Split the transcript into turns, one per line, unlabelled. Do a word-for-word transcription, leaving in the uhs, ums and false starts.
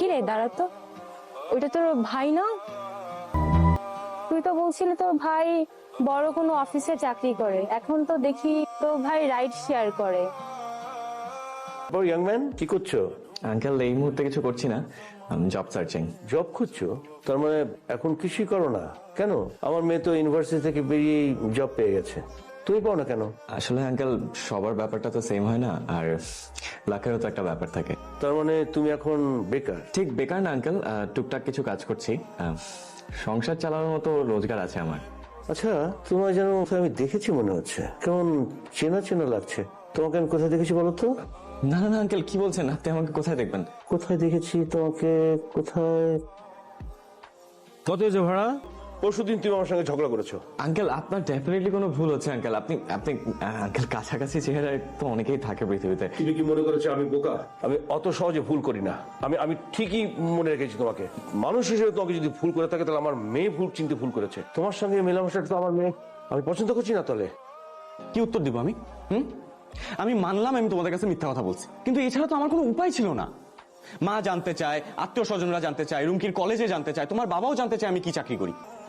কিরে দাঁড়াতো, ওইটা তোর ভাই না? তুই তো বলছিলি তোর ভাই বড় কোনো অফিসে চাকরি করে, এখন তো দেখি তোর ভাই রাইড শেয়ার করে।
ইয়াং ম্যান, কি করছো?
আঙ্কেল এই মুহূর্তে কিছু করছি না, জব সার্চিং।
জব খুঁজছো? তার মানে এখন কিছুই করো না কেন? আমার মেয়ে তো ইউনিভার্সিটি থেকে বেরিয়ে জব পেয়ে গেছে, তুমি পাও না কেন?
আসলে আঙ্কেল সবার ব্যাপারটা তো সেম হয় না, আর লাখেরও তো একটা ব্যাপার থাকে।
তার মানে তুমি এখন বেকার?
ঠিক বেকার না আঙ্কেল, টুকটাক কিছু কাজ করছি, আহ, সংসার চালানোর মতো রোজগার আছে আমার।
আচ্ছা, তোমার যেন আমি দেখেছি মনে হচ্ছে, কেমন চেনা চেনা লাগছে। তোমাকে আমি কোথায় দেখেছি বলো তো?
না না না আঙ্কেল, কি বলছেন? আপনি আমাকে কোথায় দেখবেন?
কোথায় দেখেছি তোমাকে? কোথায়?
কত হয়েছে ভাড়া?
পরশুদিন তুমি আমার সঙ্গে ঝগড়া করেছো।
আঙ্কেল আপনার ডেফিনেটলি কোনো ভুল হচ্ছে আঙ্কেল। আপনি আপনি আঙ্কেল কাছাকাছি চেহারায় তো অনেকেই থাকে পৃথিবীতে।
তুমি কি মনে করেছো আমি বোকা? আমি অত সহজে ভুল করি না। আমি আমি ঠিকই মনে রেখেছি তোমাকে। মানুষ হিসেবে তোমাকে যদি ভুল করে থাকে তাহলে আমার মেয়ে ভুল চিনতে ভুল করেছে। তোমার সঙ্গে মেলামেশাটা তো আমার মেয়ে আমি পছন্দ করছি না। তাহলে
কি উত্তর দিব আমি? হুম আমি মানলাম আমি তোমাদের কাছে মিথ্যা কথা বলছি, কিন্তু এছাড়া তো আমার কোনো উপায় ছিল না। মা জানতে চায়, আত্মীয় স্বজনরা জানতে চায়, রুমকির কলেজে জানতে চায়, তোমার বাবাও জানতে চায় আমি কি চাকরি করি।